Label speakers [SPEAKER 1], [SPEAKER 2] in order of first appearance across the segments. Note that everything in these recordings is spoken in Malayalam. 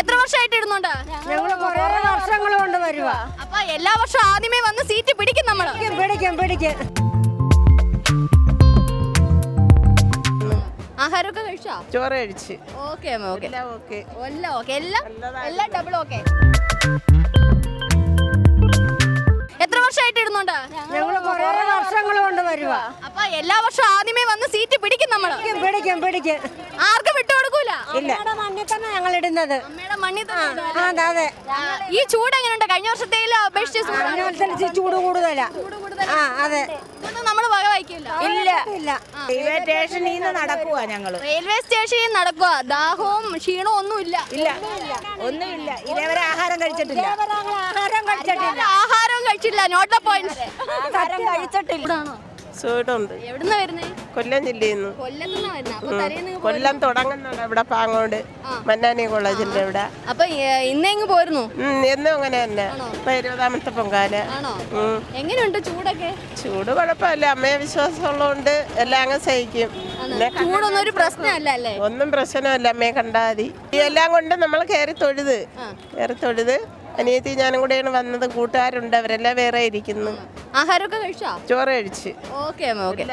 [SPEAKER 1] എത്ര വർഷമായിട്ട് ഇടുന്നുണ്ട്?
[SPEAKER 2] ഞങ്ങൾ കുറേ വർഷങ്ങൾ കൊണ്ട് വരുക.
[SPEAKER 1] അപ്പൊ എല്ലാ വർഷവും ആദ്യമേ വന്ന് സീറ്റ് പിടിക്കും നമ്മള്.
[SPEAKER 2] പിടിക്കും.
[SPEAKER 1] ആഹാരമൊക്കെ കഴിച്ചോ?
[SPEAKER 3] ചോറ് കഴിച്ച്.
[SPEAKER 1] ഓക്കെ
[SPEAKER 3] എല്ലാം ഓക്കെ.
[SPEAKER 1] എല്ലാം ഡബിൾ ഓക്കെ. എത്ര വർഷമായിട്ട് ഇടുന്നുണ്ട്?
[SPEAKER 2] ഞങ്ങൾ കുറേ വർഷങ്ങൾ കൊണ്ട് വരുക.
[SPEAKER 1] അപ്പൊ എല്ലാ വർഷവും ആദ്യമേ വന്ന് സീറ്റ് പിടിക്കും നമ്മള്.
[SPEAKER 2] പിടിക്കും.
[SPEAKER 1] ആർക്കും വിട്ടുകൊടുക്കൂല.
[SPEAKER 2] ഇല്ല, മണ്ണിൽ തന്നെ ഞങ്ങൾ ഇടുന്നത്.
[SPEAKER 1] അമ്മയുടെ മണ്ണിൽ തന്നെ.
[SPEAKER 2] അതെ.
[SPEAKER 1] ഈ ചൂട് എങ്ങനെയുണ്ട്? കഴിഞ്ഞ വർഷത്തേലും അപേക്ഷിച്ച്
[SPEAKER 2] ചൂട് കൂടുതലാ. അതെ.
[SPEAKER 1] നമ്മള് വക വയ്ക്കില്ല.
[SPEAKER 2] ഇല്ല.
[SPEAKER 3] റെയിൽവേ സ്റ്റേഷനിൽ നിന്ന് നടക്കുവാ ഞങ്ങള്.
[SPEAKER 1] റെയിൽവേ സ്റ്റേഷനിൽ നടക്കുക. ദാഹവും ക്ഷീണവും ഒന്നുമില്ല.
[SPEAKER 3] ഒന്നുമില്ല. ഇതേവരെ ആഹാരം കഴിച്ചിട്ടില്ല.
[SPEAKER 1] ആഹാരവും കഴിച്ചില്ല. Not the point.
[SPEAKER 3] ആഹാരം കഴിച്ചിട്ടില്ല. ചൂടുണ്ട്.
[SPEAKER 1] എവിടുന്നാ വരുന്നേ?
[SPEAKER 3] കൊല്ലം ജില്ലയിൽ നിന്ന്.
[SPEAKER 1] കൊല്ലത്തുനിന്നാ വരുന്നേ. അപ്പൊ തലേന്ന്
[SPEAKER 3] കൊല്ലം തുടങ്ങുന്നുണ്ട് ഇവിടെ പാങ്ങോട് മന്നാനി കോളേജിന്റെ ഇവിടെ.
[SPEAKER 1] അപ്പൊ ഇന്നെങ്ങ് പോയിരുന്നു?
[SPEAKER 3] എന്നും അങ്ങനെ തന്നെ. 20ാമത്തെ പൊങ്കാല.
[SPEAKER 1] ആണോ? എങ്ങനെയുണ്ട് ചൂടൊക്കെ?
[SPEAKER 3] ചൂട് കുഴപ്പമില്ല. അമ്മയെ വിശ്വാസമുള്ളതുകൊണ്ട് എല്ലാം അങ്ങ് സഹിക്കും.
[SPEAKER 1] ചൂടൊന്നും ഒരു പ്രശ്നമല്ല അല്ലേ?
[SPEAKER 3] ഒന്നും പ്രശ്നമല്ല. അമ്മയെ കണ്ടാൽ മതി. ഈ എല്ലാം കൊണ്ട് നമ്മൾ കയറി തൊഴുത് അനിയത്തി ഞാനും കൂടെയാണ് വന്നത്. കൂട്ടുകാരുണ്ട്, അവരെല്ലാം വേറെ ഇരിക്കുന്നു.
[SPEAKER 1] ആഹാരമൊക്കെ കഴിച്ചോ?
[SPEAKER 3] ചോറ് കഴിച്ച്.
[SPEAKER 1] ഓക്കെ.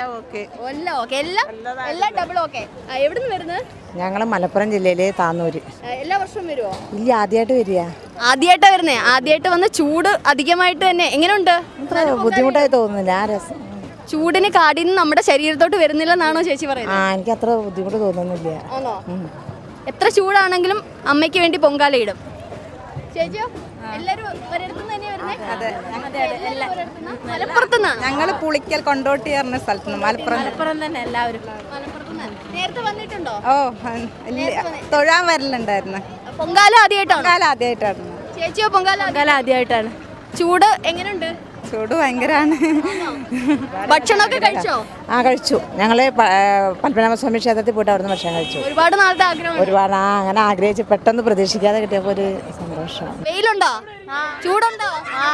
[SPEAKER 1] എല്ലാം ഡബിൾ ഓക്കെ. എവിടുന്ന് വരുന്നത്?
[SPEAKER 2] ഞങ്ങൾ മലപ്പുറം ജില്ലയിലെ താന്നൂര്.
[SPEAKER 1] എല്ലാ വർഷവും വരുമോ?
[SPEAKER 2] ഇല്ല, ആദ്യമായിട്ട് വരിക.
[SPEAKER 1] ആദ്യമായിട്ടാ വരുന്നേ? ആദ്യമായിട്ട് വന്ന് ചൂട് അധികമായിട്ട് തന്നെ എങ്ങനെയുണ്ട്?
[SPEAKER 2] ബുദ്ധിമുട്ടായി തോന്നുന്നില്ല. ആ രസം
[SPEAKER 1] ചൂടിന് കാടിന്ന് നമ്മുടെ ശരീരത്തോട്ട് വരുന്നില്ലെന്നാണോ ചേച്ചി പറയുന്നത്?
[SPEAKER 2] എനിക്ക് അത്ര ബുദ്ധിമുട്ട് തോന്നുന്നില്ല.
[SPEAKER 1] ആണോ? എത്ര ചൂടാണെങ്കിലും അമ്മയ്ക്ക് വേണ്ടി പൊങ്കാല ഇടും. ചേച്ചിയോ? എല്ലാരും ഒരിടത്തുനിന്ന് തന്നെയാ വരുന്നേ? മലപ്പുറത്തുനിന്നാണ്.
[SPEAKER 4] ഞങ്ങൾ പുളിക്കൽ കൊണ്ടോട്ടി പറഞ്ഞ സ്ഥലത്ത് മലപ്പുറം തന്നെ എല്ലാവരും.
[SPEAKER 1] നേരത്തെ വന്നിട്ടുണ്ടോ?
[SPEAKER 4] തൊഴാൻ വരലുണ്ടായിരുന്നു.
[SPEAKER 1] പൊങ്കാല ആദ്യമായിട്ടാണ്?
[SPEAKER 4] ആദ്യമായിട്ടാണ്.
[SPEAKER 1] ചേച്ചിയോ? പൊങ്കാല ആദ്യമായിട്ടാണ്. ചൂട് എങ്ങനെയുണ്ട്?
[SPEAKER 4] ചൂട് ഭയങ്കരാണ്.
[SPEAKER 1] ഭക്ഷണമൊക്കെ കഴിച്ചോ?
[SPEAKER 2] കഴിച്ചു. ഞങ്ങള് പത്മനാഭസ്വാമി ക്ഷേത്രത്തിൽ പോയിട്ട് അവിടുന്ന് ഭക്ഷണം കഴിച്ചു.
[SPEAKER 1] ഒരുപാട് നാളത്തെ ആഗ്രഹം.
[SPEAKER 2] അങ്ങനെ ആഗ്രഹിച്ച് പെട്ടെന്ന് പ്രതീക്ഷിക്കാതെ കിട്ടിയപ്പോ ഒരു സന്തോഷം.
[SPEAKER 1] വെയിലുണ്ടോ? ചൂടുണ്ടോ?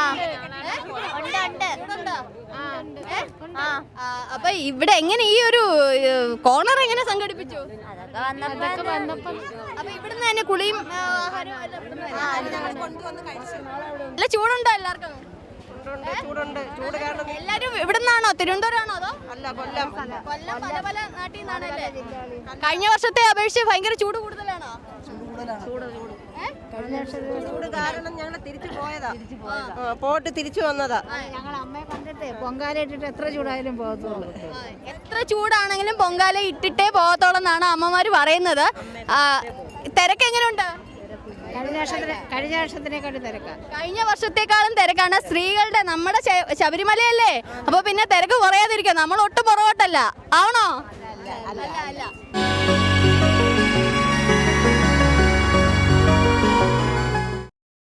[SPEAKER 1] അപ്പൊ ഇവിടെ എങ്ങനെ ഈ ഒരു കോർണർ എങ്ങനെ സംഘടിപ്പിച്ചു? അപ്പൊ ഇവിടുന്ന് തന്നെ കുളിയും നല്ല ചൂടുണ്ടോ എല്ലാവർക്കും? എല്ലാരും ഇവിടുന്നാണോ? തിരുവനന്തപുരമാണോ അതോ? കൊല്ലം പല നാട്ടിൽ നിന്നാണല്ലേ? കഴിഞ്ഞ വർഷത്തെ അപേക്ഷിച്ച് ഭയങ്കര ചൂട് കൂടുതലാണോ?
[SPEAKER 3] പോയിട്ട് തിരിച്ചു വന്നതാ.
[SPEAKER 2] ഞങ്ങൾ അമ്മയെ കണ്ടിട്ട് പൊങ്കാല ഇട്ടിട്ട് എത്ര ചൂടായാലും പോകത്തുള്ളൂ.
[SPEAKER 1] എത്ര ചൂടാണെങ്കിലും പൊങ്കാല ഇട്ടിട്ടേ പോകത്തോളെന്നാണ് അമ്മമാര് പറയുന്നത്. തിരക്ക് എങ്ങനെയുണ്ട്? കഴിഞ്ഞ വർഷത്തെക്കാളും തിരക്കാണ്. സ്ത്രീകളുടെ നമ്മുടെ ശബരിമലയല്ലേ, അപ്പൊ പിന്നെ തിരക്ക് കുറയാതിരിക്കും. നമ്മൾ ഒട്ടും പുറകോട്ടല്ല. ആണോ? അല്ല.